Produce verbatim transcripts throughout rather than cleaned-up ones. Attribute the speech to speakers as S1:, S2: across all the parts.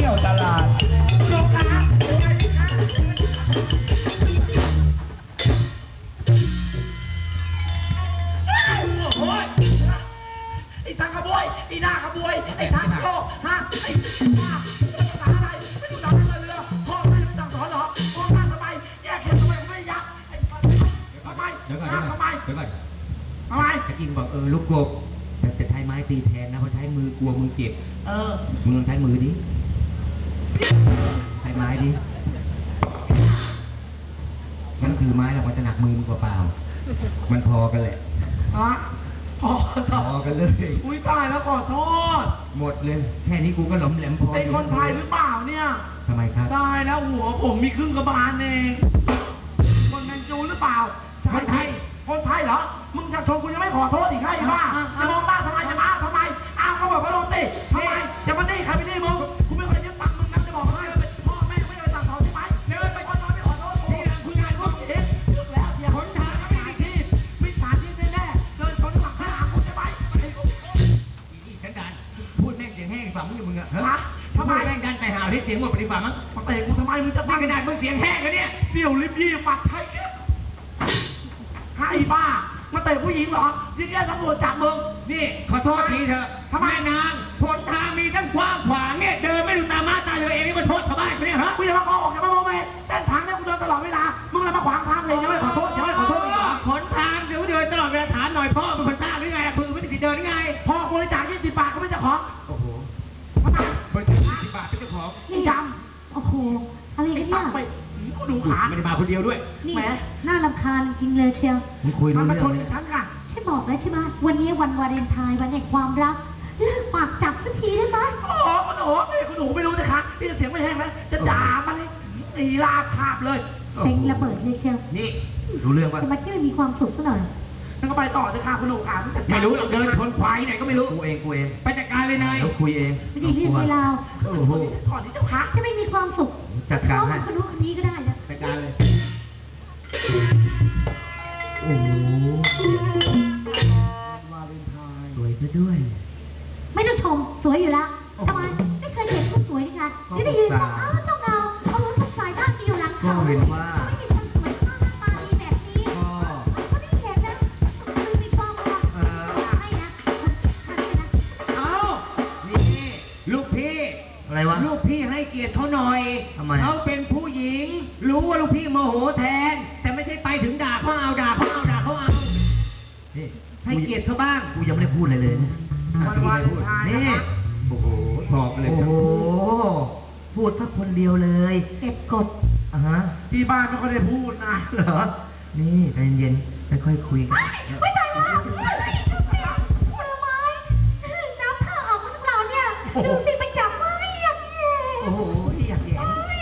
S1: ยวตลาดลงนะโอ้ยไอ้ทางขบวยไอ้หน้าขบวยไอ้ทางโลกฮะไอ้บ้าภาษาอะไรไม่รู้จักเรือพ่อไม่รู้จักสอนหรอพ่อมาทำไมแยกเข็มทำไมไม่ยักไอ้ทำไมเดี๋ยวก่อนทำไมเดี๋ยวก่อนทำไมตะกี้บอกเออลูกกบแต่จะใช้ไม้ตีแทนนะเพราะใช้มือกลัวมือเจ็บเออมึงลองใช้มือดิใช้ไม้ดิมันถือไม้แล้วมันจะหนักมือมึงเปล่าๆมันพอกันแหละอ๋อพอพอกันเลยอุ้ยตายแล้วขอโทษหมดเลยแค่นี้กูก็หลอมแหลมพอเป็นคนไทยหรือเปล่าเนี่ยทำไมครับได้แล้วหัวผมมีครึ่งกระบาลเองคนแมนจูหรือเปล่าคนไทยคนไทยเหรอมึงจะชมกูยังไม่ขอโทษอีกใช่ไหมจะมองหน้าทำไมจะมาทำไมอ้าวเขาบอกว่าโดนตีทำไมจะมาตีใครไปตีมึงกูไม่เคยยึดตังมึงนะจะบอกให้พ่อแม่ไม่เคยสั่งสอนใช่ไหมเดินไปคนนอนไม่ขอโทษนี่คุยงานพวกเองลึกแล้วอย่าหนทางไม่มีที่มิจฉาชีพแน่ๆเดินชนหลังข้างคุณใช่ไหมอีฉันดันพูดแม่งเสียงแห้งฝังอยู่มึงอะฮะทำไมแม่งดันไปหาที่เสียงหมดปฏิบัติมั้งมาเตะกูทำไมมึงจะตั้งกระดาษมึงเสียงแห้งกันเนี่ยเสี่ยวลิบยี่ปัดไทยเชี่ยให้บ้ามาเตะผู้หญิงเหรอยิ่งแย่ตำรวจจับมึงนี่ขอโทษทีเถอะทำไมนางผลทางมีทั้งกว้างขวางเนี่ยเดินไม่ดูตามาตาเลยเองนี่มาโทษชาวบ้านเนี่ยฮะกูจะมาโกหกจะมาโมเมเส้นทางเนี่ยกูเดินตลอดเวลามึงเลยมาขวางทางเลยยังไม่ขอโทษยังไม่ขอโทษอีกเหรอผลทางเดี๋ยวเดินตลอดเวลาถามหน่อยพ่อเป็นคนบ้าหรือไงคือไม่ได้ติดเดินหรือไงพ่อบริจาคยี่สิบบาทก็ไม่จะขอโอ้โหทำไมบริจาคยี่สิบบาทเป็นเจ้าของนี่ดำโอ้โหอะไรกันเนี่ยกูดูขาไม่ได้มาคนเดียวด้วยนี่น่ารำคาญจริงเลยเชียวมึงคุยรู้เรื่องเลยฉันค่ะฉันบอกแล้วใช่ไหมวันนี้วันวาเลนไทน์วันแห่งความรักเลิกปากจับสักทีได้ไหมโอ้คุณหนูคุณหนูไม่รู้นะคะที่จะเสียงไม่แห้งนะจะด่ามันเลยตีลาคาบเลยเซ็งระเบิดเลยเชียวนี่รู้เรื่องว่าทำไมที่ไม่มีความสุขซะหน่อยนั่นก็ไปต่อจะค่ะคุณหนูค่ะไม่รู้เดินชนควายไหนก็ไม่รู้กูเองกูเองไปจัดการเลยนายเราคุยเองไม่ได้เรื่องเวลาโอ้โหก่อนที่จะพักจะไม่มีความสุขจัดการให้คนนู้นคนนี้ก็ได้นะจัดการเลยโอ้โหวาเลนไทน์สวยซะด้วยไม่ต้องชมสวยอยู่แล้วทำไมไม่เคยเห็นคนสวยยังไงที่ได้ยินว่าอ้าวเจ้าเราเอารถทุกสายด้านเดียวหลังเขาไม่เห็นว่าไม่มีคนสวยมากตาดีแบบนี้ก็ได้เห็นนะคือมีความรักให้นะให้นะเอ้านี่ลูกพี่อะไรวะลูกพี่ให้เกียรติเขาหน่อยทำไมเขาเป็นผู้หญิงรู้ว่าลูกพี่โมโหแทนแต่ไม่ใช่ไปถึงด่าเขาเอาด่าเขาเอาด่าเขาเอาให้เกียรติเขาบ้างกูยังไม่ได้พูดอะไรเลยวันวันนี่โอ้โหบอกเลยโอ้โหพูดแค่คนเดียวเลยเก็บกดอ่ะฮะที่บ้านไม่ค่อยได้พูดนะเหรอนี่ใจเย็นๆค่อยๆคุยกันไม่ตายแล้วมือไม้น้ำท่าออกมาทั้งเราเนี่ยดูสิไปจับไม้อยากแย่โอ้โหอยากแย่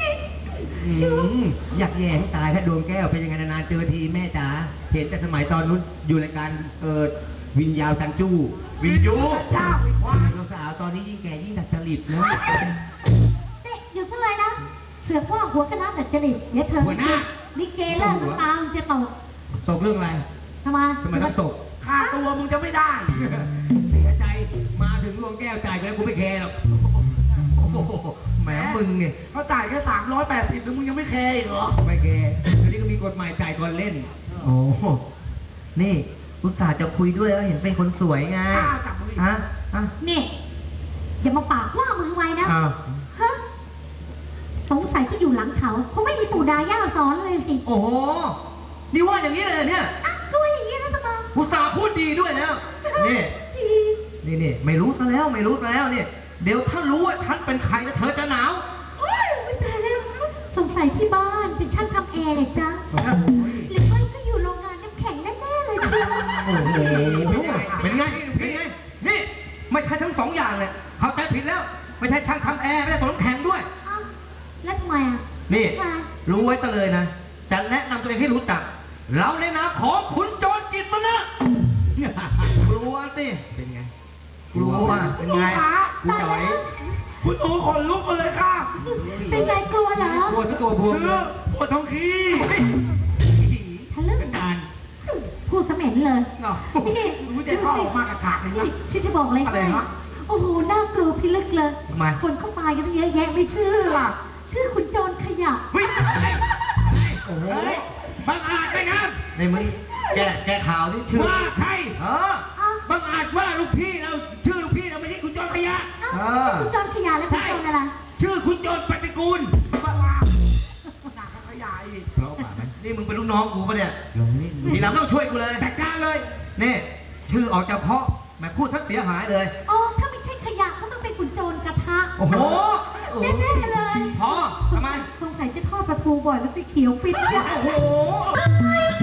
S1: อยากแย่ให้ตายถ้าดวงแก้วเป็นยังไงนานๆเจอทีแม่จ๋าเห็นแต่สมัยตอนนู้นอยู่รายการเออวินยาวจันจู้วินยูจ้าสาวตอนนี้ยิ่งแก่ยิ่งดัดจริตนะเด็กอยู่เท่าไรนะเสือกว่าหัวกระน้ำดัดจริตเดี๋ยวเธอลิเกเลิกน้ำตาจะตกตกเรื่องอะไรทำไมทำไมต้องตกค่าตัวมึงจะไม่ได้เสียใจมาถึงดวงแก้วจ่ายไปกูไม่แคร์หรอกแหมมึงเนี่ยเขาจ่ายแค่สามร้อยแปดสิบแล้วมึงยังไม่แคร์เหรอไม่แคร์เดี๋ยวนี้ก็มีกฎหมายจ่ายก่อนเล่นโอ้นี่อุตส่าห์จะคุยด้วยแล้วเห็นเป็นคนสวยไงฮะฮะนี่อย่ามาปากว่ามือไวนะฮะสงสัยที่อยู่หลังเขาคงไม่มีปู่ดาย่าสอนเลยสิโอ้โหนี่ว่าอย่างนี้เลยเนี่ยก็ว่าอย่างนี้นะสมองอุตส่าห์พูดดีด้วยแล้วนี่นี่นี่ไม่รู้ซะแล้วไม่รู้ซะแล้วเนี่ยเดี๋ยวถ้ารู้ว่าฉันเป็นใครแล้วเธอจะหนาวไม่ตายแล้วสงสัยที่บ้านเป็นช่างทำแอร์เลยจ้ะหรือไม่ก็อยู่โรงงานน้ำแข็งแน่ๆเลยจ้ะโอ้โหเป็นไงเป็นไงนี่ไม่ใช่ทั้งสองอย่างเลยเขาใจผิดแล้วไม่ใช่ช่างทำแอร์ไม่ใช่สวนน้ำแข็งด้วยแล้วทำไมอ่ะนี่รู้ไว้กันเลยนะจะแนะนำตัวเองให้รู้จักเราในนามของขุนโจรกิตนะกลัวสิเป็นไงกลัวเป็นไงคุณจ๋อยคุณโอ้ขนลุกเลยค่ะเป็นไงกลัวเหรอกลัวตัวบวมปวดท้องขี้ทะลึ่งการพูดเสม็นเลยนี่รู้ใจพ่อออกมากระถางเลยนะที่จะบอกอะไรให้
S2: โอ้โหน่ากลัวพิลึกเลย
S1: ทำไม
S2: คนเขาตายกันตั้งเยอะแยะไม่ชื่อล่ะ ชื่อคุณโจรขยะ
S1: เฮ้ยโอ้โหบังอาจไหมครับในมึงแกแกข่าวที่ชื่อว่าใครเออ
S2: อ้าว
S1: บังอาจว่าลูกพี่เราชื่อลูกพี่เราไม่ใช่คุณโจรขยะ
S2: อ้าวคุณโจรขยะแล้วคุณโจรอะไร
S1: ชื่อคุณโจรปฏิกูลบ้าบ้าหนักขยายอีกเพราะป่ามันนี่มึงเป็นลูกน้องกูปะเนี่ยลงนี่ทีหลังต้องช่วยกูเลยจัดการเลยนี่ชื่อออกจากเพาะแม่พูดทักเสียหายเลย
S2: อ๋อ ถ้าไม่ใช่ขยะก็ต้องเป็นคุณโจรกระทะ
S1: โอ้โห
S2: แน่ๆเลย
S1: พอทำไม
S2: สงสัยจะทอดปลาทูบ่อยแล้วไปเขียวฟิตจ้ะ
S1: โอ้โห